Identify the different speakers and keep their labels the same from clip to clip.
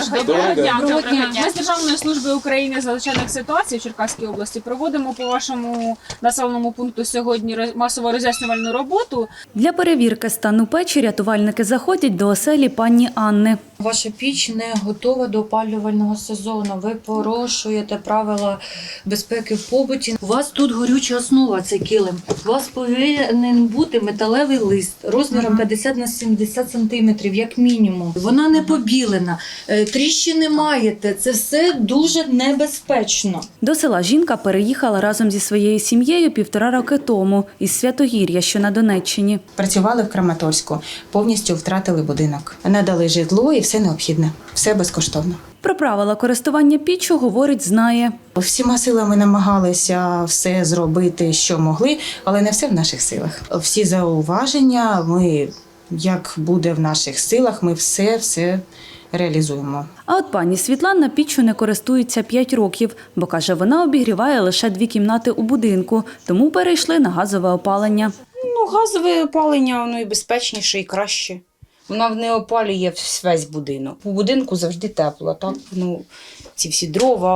Speaker 1: Доброго дня. Ми з Державної служби України з надзвичайних ситуацій в Черкаській області проводимо по вашому населеному пункту сьогодні масово роз'яснювальну роботу.
Speaker 2: Для перевірки стану печі рятувальники заходять до оселі пані Анни.
Speaker 3: Ваша піч не готова до опалювального сезону. Ви порушуєте правила безпеки в побуті. У вас тут горюча основа, цей килим. У вас повинен бути металевий лист розміром 50 на 70 сантиметрів, як мінімум. Вона не побілена, тріщини маєте. Це все дуже небезпечно.
Speaker 2: До села жінка переїхала разом зі своєю сім'єю 1,5 роки тому із Святогір'я, що на Донеччині.
Speaker 4: Працювали в Краматорську, повністю втратили будинок. Надали житло і все необхідне, все безкоштовно.
Speaker 2: Про правила користування піччю, говорить, знає.
Speaker 4: Всіма силами намагалися все зробити, що могли, але не все в наших силах. Всі зауваження, як буде в наших силах, ми все реалізуємо.
Speaker 2: А от пані Світлана піччю не користується 5 років, бо, каже, вона обігріває лише 2 кімнати у будинку, тому перейшли на газове опалення.
Speaker 5: Газове опалення, воно і безпечніше, і краще. Вона не опалює весь будинок. У будинку завжди тепло, так? Ці всі дрова,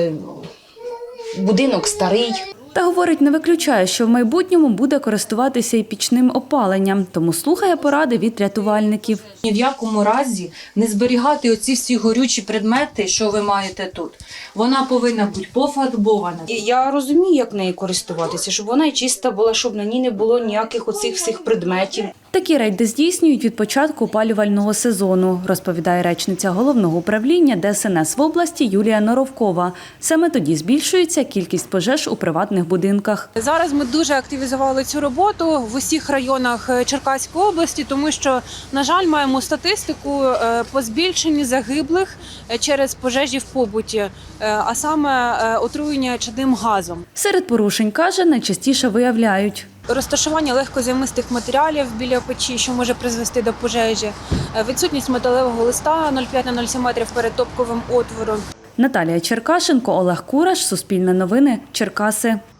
Speaker 5: будинок старий.
Speaker 2: Та, говорить, не виключає, що в майбутньому буде користуватися і пічним опаленням, тому слухає поради від рятувальників.
Speaker 3: Ні в якому разі не зберігати оці всі горючі предмети, що ви маєте тут. Вона повинна бути пофарбована.
Speaker 5: І я розумію, як нею користуватися, щоб вона і чиста була, щоб на ній не було ніяких оцих всіх предметів.
Speaker 2: Такі рейди здійснюють від початку опалювального сезону, розповідає речниця Головного управління ДСНС в області Юлія Норовкова. Саме тоді збільшується кількість пожеж у приватних будинках.
Speaker 1: Зараз ми дуже активізували цю роботу в усіх районах Черкаської області, тому що, на жаль, маємо статистику по збільшенню загиблих через пожежі в побуті, а саме отруєння чадним газом.
Speaker 2: Серед порушень, каже, найчастіше виявляють
Speaker 1: Розташування легкозаймистих матеріалів біля печі, що може призвести до пожежі, відсутність металевого листа 0,5 на 0,7 метрів перед топковим отвором.
Speaker 2: Наталія Черкашенко, Олег Кураш, Суспільне новини, Черкаси.